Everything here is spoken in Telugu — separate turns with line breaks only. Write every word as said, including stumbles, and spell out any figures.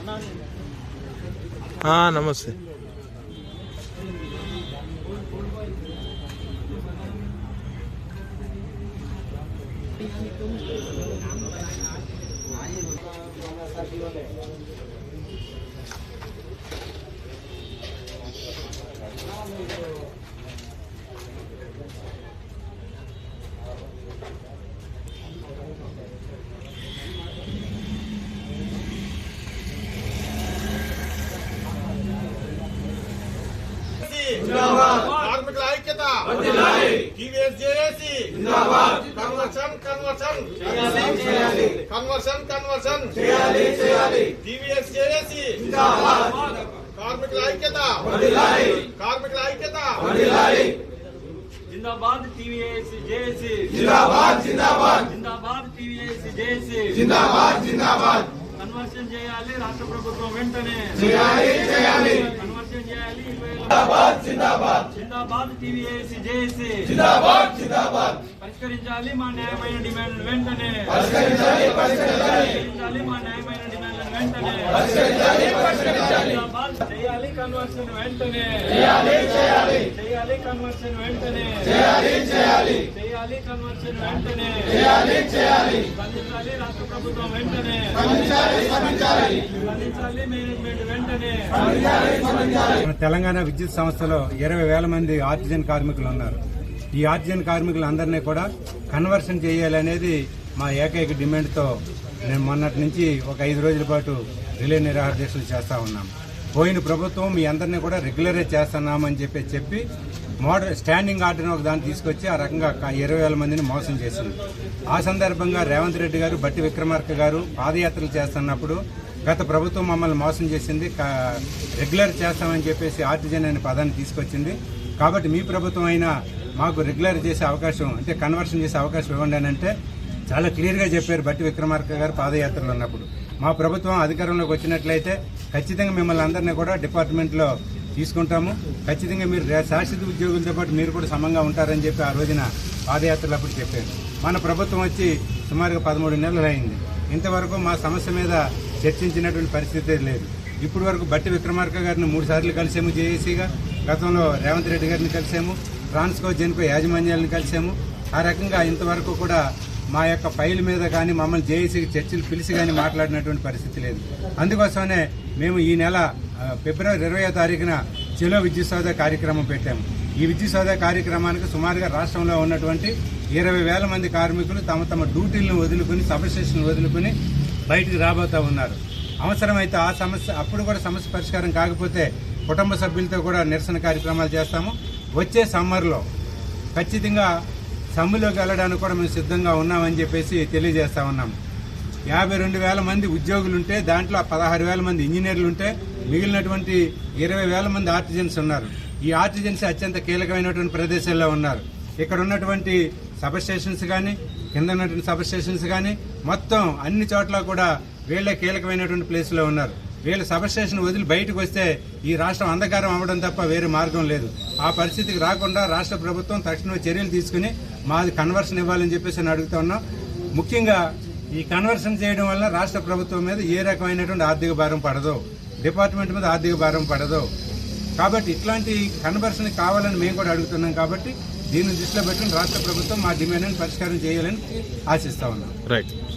నమస్తే.
కార్మికుల ఐక్యత TVS JAC conversion conversion conversion conversion TVS JAC కార్మికుల ఐక్యత కార్మికుల ఐక్యత
जिंदाबाद टीवीएस जेएसी
जिंदाबाद जिंदाबाद
जिंदाबाद टीवीएस जेएसी
जिंदाबाद जिंदाबाद
కన్వర్షన్ చేయాలి రాష్ట్ర ప్రభుత్వం వెంటనే
చేయాలి చేయాలి
కన్వర్షన్ చేయాలి
जिंदाबाद जिंदाबाद
जिंदाबाद टीवीएस जेएसी
जिंदाबाद जिंदाबाद
పరిష్కరించాలి మా న్యాయమైన డిమాండ్లు వెంటనే
పరిష్కరించాలి పరిష్కరించాలి
పరిష్కరించాలి మా న్యాయమైన డిమాండ్లు వెంటనే
పరిష్కరించాలి పరిష్కరించాలి
जिंदाबाद చేయాలి కన్వర్షన్ వెంటనే
చేయాలి చేయాలి
చేయాలి కన్వర్షన్ వెంటనే
చేయాలి చేయాలి
చేయాలి కన్వర్షన్ వెంటనే
చేయాలి చేయాలి
స్పందించాలి రాష్ట్ర ప్రభుత్వం వెంటనే
స్పందించాలి స్పందించాలి
స్పందించాలి మేనేజ్మెంట్ వెంటనే
స్పందించాలి స్పందించాలి.
తెలంగాణ విద్యుత్ సంస్థలో ఇరవై వేల మంది ఆర్టిజన్ కార్మికులు ఉన్నారు. ఈ ఆర్టిజన్ కార్మికులందరినీ కూడా కన్వర్షన్ చేయాలనేది మా ఏకైక డిమాండ్తో నేను మొన్నటి నుంచి ఒక ఐదు రోజుల పాటు రిలే నిరాహార దీక్షలు చేస్తా ఉన్నాం. పోయిన ప్రభుత్వం మీ అందరినీ కూడా రెగ్యులరైజ్ చేస్తున్నామని చెప్పి చెప్పి మోడల్ స్టాండింగ్ ఆర్డర్ ఒక దాన్ని తీసుకొచ్చి ఆ రకంగా ఇరవై వేల మందిని మోసం చేసింది. ఆ సందర్భంగా రేవంత్ రెడ్డి గారు, బట్టి విక్రమార్క గారు పాదయాత్రలు చేస్తున్నప్పుడు గత ప్రభుత్వం మమ్మల్ని మోసం చేసింది, రెగ్యులర్ చేస్తామని చెప్పేసి ఆర్టిజన్ అనే పదాన్ని తీసుకొచ్చింది. కాబట్టి మీ ప్రభుత్వం అయినా మాకు రెగ్యులర్ చేసే అవకాశం అంటే కన్వర్షన్ చేసే అవకాశం ఇవ్వండి అని అంటే చాలా క్లియర్గా చెప్పారు బట్టి విక్రమార్క గారు పాదయాత్రలు ఉన్నప్పుడు. మా ప్రభుత్వం అధికారంలోకి వచ్చినట్లయితే ఖచ్చితంగా మిమ్మల్ని అందరినీ కూడా డిపార్ట్మెంట్లో తీసుకుంటాము, ఖచ్చితంగా మీరు శాశ్వత ఉద్యోగులతో పాటు మీరు కూడా సమంగా ఉంటారని చెప్పి ఆ రోజున పాదయాత్రలు అప్పుడు చెప్పారు. మన ప్రభుత్వం వచ్చి సుమారుగా పదమూడు నెలలు అయింది. ఇంతవరకు మా సమస్య మీద చర్చించినటువంటి పరిస్థితి లేదు. ఇప్పటి వరకు బట్టి విక్రమార్క గారిని మూడు సార్లు కలిసాము జేఏసీగా, గతంలో రేవంత్ రెడ్డి గారిని కలిసాము, ట్రాన్స్కో జెన్కో యాజమాన్యాలను కలిసాము. ఆ రకంగా ఇంతవరకు కూడా మా యొక్క ఫైల్ మీద కానీ మమ్మల్ని జేఏసీకి చర్చలు పిలిచి కానీ మాట్లాడినటువంటి పరిస్థితి లేదు. అందుకోసమనే మేము ఈ నెల ఫిబ్రవరి ఇరవయో తారీఖున చెలో విద్యుత్ సౌధ కార్యక్రమం పెట్టాము. ఈ విద్యుత్ సౌధ కార్యక్రమానికి సుమారుగా రాష్ట్రంలో ఉన్నటువంటి ఇరవై వేల మంది కార్మికులు తమ తమ డ్యూటీలను వదులుకుని సబ్స్టేషన్లు వదులుకుని బయటికి రాబోతూ ఉన్నారు. అవసరమైతే ఆ సమస్య అప్పుడు కూడా సమస్య పరిష్కారం కాకపోతే కుటుంబ సభ్యులతో కూడా నిరసన కార్యక్రమాలు చేస్తాము. వచ్చే సమ్మర్లో ఖచ్చితంగా సమ్మెలోకి వెళ్ళడానికి కూడా మేము సిద్ధంగా ఉన్నామని చెప్పేసి తెలియజేస్తా ఉన్నాము. యాభై రెండు వేల మంది ఉద్యోగులుంటే దాంట్లో పదహారు వేల మంది ఇంజనీర్లు ఉంటే మిగిలినటువంటి ఇరవై వేల మంది ఆర్టిజన్స్ ఉన్నారు. ఈ ఆర్టిజన్స్ అత్యంత కీలకమైనటువంటి ప్రదేశాల్లో ఉన్నారు. ఇక్కడ ఉన్నటువంటి సబ్ స్టేషన్స్ కానీ కింద ఉన్నటువంటి సబ్ స్టేషన్స్ కానీ మొత్తం అన్ని చోట్ల కూడా వీళ్ళే కీలకమైనటువంటి ప్లేస్లో ఉన్నారు. వీళ్ళ సబ్ స్టేషన్ వదిలి బయటకు వస్తే ఈ రాష్ట్రం అంధకారం అవ్వడం తప్ప వేరే మార్గం లేదు. ఆ పరిస్థితికి రాకుండా రాష్ట్ర ప్రభుత్వం తక్షణమే చర్యలు తీసుకుని మాది కన్వర్షన్ ఇవ్వాలని చెప్పేసి నేను అడుగుతా ఉన్నాం. ముఖ్యంగా ఈ కన్వర్షన్ చేయడం వల్ల రాష్ట్ర ప్రభుత్వం మీద ఏ రకమైనటువంటి ఆర్థిక భారం పడదు, డిపార్ట్మెంట్ మీద ఆర్థిక భారం పడదు. కాబట్టి ఇట్లాంటి కన్వర్షన్ కావాలని మేము కూడా అడుగుతున్నాం. కాబట్టి దీన్ని దృష్టిలో పెట్టుకుని రాష్ట్ర ప్రభుత్వం మా డిమాండ్ని పరిష్కారం చేయాలని ఆశిస్తా ఉన్నాం.
రైట్.